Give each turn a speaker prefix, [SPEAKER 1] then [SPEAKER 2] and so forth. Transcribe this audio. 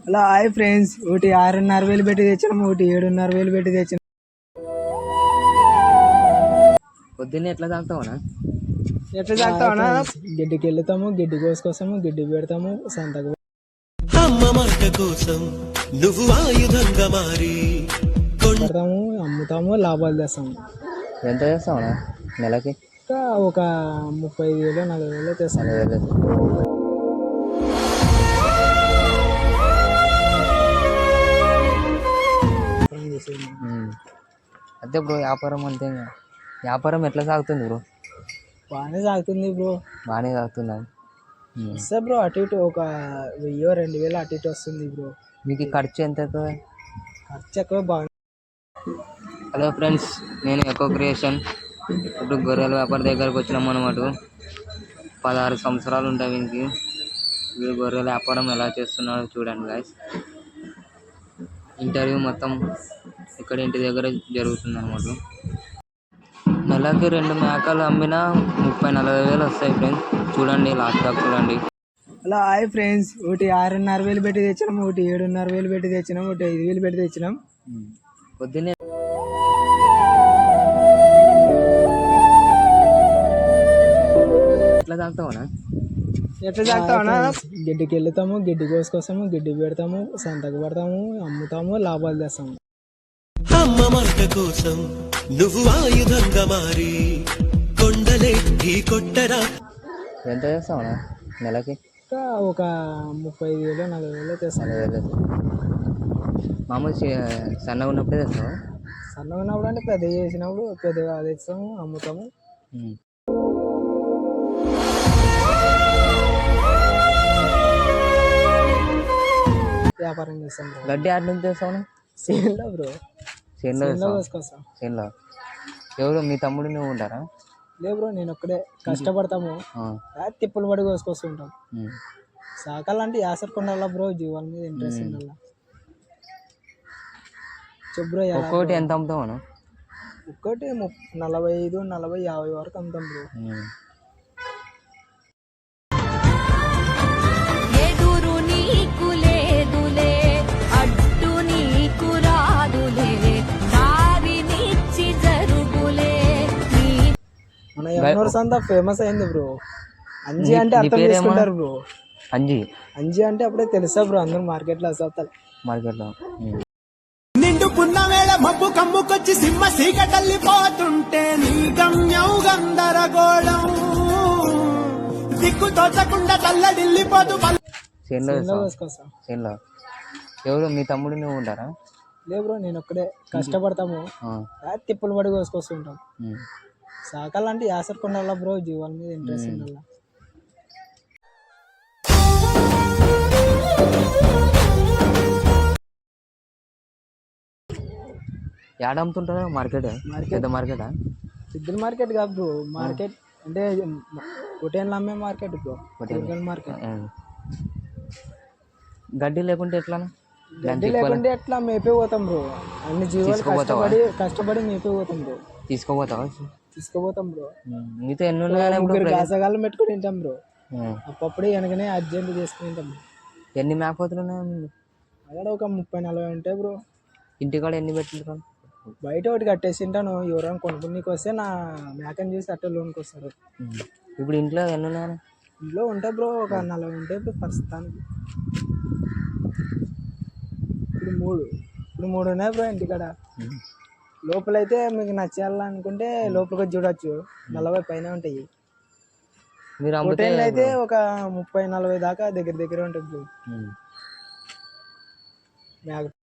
[SPEAKER 1] Hello hi friends, ఒకటి 6,500 పెట్టి తెచ్చినాం, ఒకటి 7,500 పెట్టి తెచ్చినాం.
[SPEAKER 2] పొద్దున్నే ఎట్లా తాగుతావనా?
[SPEAKER 1] ఎట్లా తాగుతావనా? గిడ్డికి వెళ్తాము, గిడ్డి కోసుకొస్తాము, గిడ్డి పెడతాము, సంతకు
[SPEAKER 3] అమ్మ మాట కోసం నువ్వు ఆయుధంగా మారి
[SPEAKER 1] పెడతాము, అమ్ముతాము, లాభాలు తెస్తాము.
[SPEAKER 2] ఎంత చేస్తావనా నెలకి?
[SPEAKER 1] ఇంకా ఒక 35,000 40,000 తెస్తాము.
[SPEAKER 2] 40,000. అదే బ్రో, వ్యాపారం అంతే. వ్యాపారం ఎట్లా సాగుతుంది బ్రో?
[SPEAKER 1] బాగానే సాగుతుంది బ్రో.
[SPEAKER 2] బాగానే సాగుతుందా?
[SPEAKER 1] వస్తే బ్రో అటు ఇటు ఒక 1,000-2,000 అటు ఇటు వస్తుంది బ్రో.
[SPEAKER 2] మీకు ఖర్చు ఎంత అవుతుంది?
[SPEAKER 1] ఖర్చు ఎక్కువ. బాగా
[SPEAKER 2] హలో ఫ్రెండ్స్, నేను ఎకో క్రియేషన్. ఇప్పుడు గొర్రెల వ్యాపారి దగ్గరకు వచ్చినాం అనమాట. 16 సంవత్సరాలు ఉంటాయి వీనికి. వీడు గొర్రెల వ్యాపారం ఎలా చేస్తున్నాడో చూడండి గాయస్. ఇంటర్వ్యూ మొత్తం ఇక్కడ ఇంటి దగ్గర జరుగుతుంది అనమాట. నెలకి 2 మేకలు అమ్మినా 30,000-40,000 వస్తాయి ఫ్రెండ్స్. చూడండి, లాస్ట్ దాకా చూడండి.
[SPEAKER 1] హలో హాయ్ ఫ్రెండ్స్, ఒకటి 6,500 పెట్టి తెచ్చినాం, ఒకటి 7,500 పెట్టి తెచ్చినాం, ఒకటి 5,000 పెట్టి తెచ్చినాం.
[SPEAKER 2] పొద్దున్నే ఎట్లా తాగుతావనా?
[SPEAKER 1] ఎట్లా తాగుతావనా? గిడ్డికి వెళ్తాము, గిడ్డి కోసుకొస్తాము, గిడ్డి పెడతాము, సంతకు పెడతాము, అమ్ముతాము, లాభాలు తెస్తాము.
[SPEAKER 3] అమ్మ మాట కోసం నువ్వు ఆయుధంగా మారి కొండలే ఢీ కొట్టరా.
[SPEAKER 2] ఎంత చేస్తావనా నెలకి?
[SPEAKER 1] ఇంకా ఒక 35,000 40,000 తెస్తాము.
[SPEAKER 2] 40,000. మామూలు సన్నగా ఉన్నప్పుడే తెస్తావా?
[SPEAKER 1] సన్నగా ఉన్నప్పుడు అంటే పెద్ద చేసినప్పుడు పెద్దగా తెస్తాము, అమ్ముతాము. వ్యాపారం చేస్తాం.
[SPEAKER 2] గడ్డి ఆడ నుంచి తెస్తావా?
[SPEAKER 1] చేనులో బ్రో.
[SPEAKER 2] చేనులో
[SPEAKER 1] కోసుకొస్తాం.
[SPEAKER 2] చేనులో ఎవరు మీ తమ్ముడు నువ్వు ఉంటారా?
[SPEAKER 1] లే బ్రో, నేను ఒక్కడే. కష్టపడతాము, తిప్పులు పడి కోసుకొస్తుంటాం. సాకాలంటే యాసరకుండాలా బ్రో, జీవాల మీద ఇంట్రెస్ట్ ఉండాలా. చెబ్రో
[SPEAKER 2] ఒక్కొక్కటి ఎంత అమ్ముతావు?
[SPEAKER 1] ఒక్కటి 45, 40, 50 వరకు అమ్ముతాం బ్రో. మన ఎవరి సంతా ఫేమస్ అయింది బ్రో. అంజీ అంటే అర్థం చేసుకుంటారు బ్రో. అంజీ అంటే అప్పుడే తెలుసా బ్రో, అందరూ మార్కెట్లో అసలు
[SPEAKER 2] మార్కెట్లో.
[SPEAKER 3] నిండుకున్న వేళ మబ్బు కమ్ముకొచ్చి సింహ సీకటల్లిపోతుంటే నీ గమ్యం గందరగోళం దిక్కు తోచకుండా తల్లడిల్లిపోతూ
[SPEAKER 2] చేనులో ఎవరు మీ తమ్ముడు నువ్వు ఉంటారా?
[SPEAKER 1] లే బ్రో, నేను ఒక్కడే. కష్టపడతాము, తిప్పులు పడి కోసుకొస్తుంటాం. సాకాలంటే యాసరకుండాలా బ్రో, జీవాల మీద ఇంట్రెస్ట్ ఉండాలా.
[SPEAKER 2] యాడ అమ్ముతుంటారా? మార్కెట్ పెద్ద మార్కెటా?
[SPEAKER 1] పెద్ద మార్కెట్ కాదు బ్రో. మార్కెట్ అంటే పొటేన్లు అమ్మే మార్కెట్ బ్రో. మార్కెట్.
[SPEAKER 2] గడ్డి లేకుంటే ఎట్లా?
[SPEAKER 1] గడ్డి లేకుంటే ఎట్లా మేపే పోతాం బ్రో. అన్ని జీవాలు కష్టపడి మేపే పోతాం బ్రో. తీసుకుపోతాం బ్రో.
[SPEAKER 2] మీతో ఎన్ని ఉన్నాయి?
[SPEAKER 1] ముగ్గురు గాసగాళ్ళు పెట్టుకుని తింటాం బ్రో. అప్పుడే వెనకనే అర్జెంట్ చేసుకుని తింటాం.
[SPEAKER 2] ఎన్ని మేకపోతులు ఉన్నాయి?
[SPEAKER 1] అక్కడ ఒక 30-40 ఉంటాయి బ్రో.
[SPEAKER 2] ఇంటికాడ ఎన్ని పెట్టుకుంటారు?
[SPEAKER 1] బయట ఒకటి కట్టేసి తింటాను. ఎవరైనా కొనుక్కునికి వస్తే నా మేకని చూసి అట్టే లోనికి వస్తారు.
[SPEAKER 2] ఇప్పుడు ఇంట్లో ఎన్ని ఉన్నాయి?
[SPEAKER 1] ఇంట్లో ఉంటాయి బ్రో, ఒక 40 ఉంటాయి బ్రో ప్రస్తుతానికి. ఇప్పుడు మూడు ఉన్నాయి బ్రో ఇంటికాడ. లోపలైతే మీకు నచ్చాలనుకుంటే లోపలికి చూడొచ్చు, 40 పైన ఉంటాయి. హోటల్ అయితే ఒక 30-40 దాకా దగ్గర ఉంటుంది బ్రో.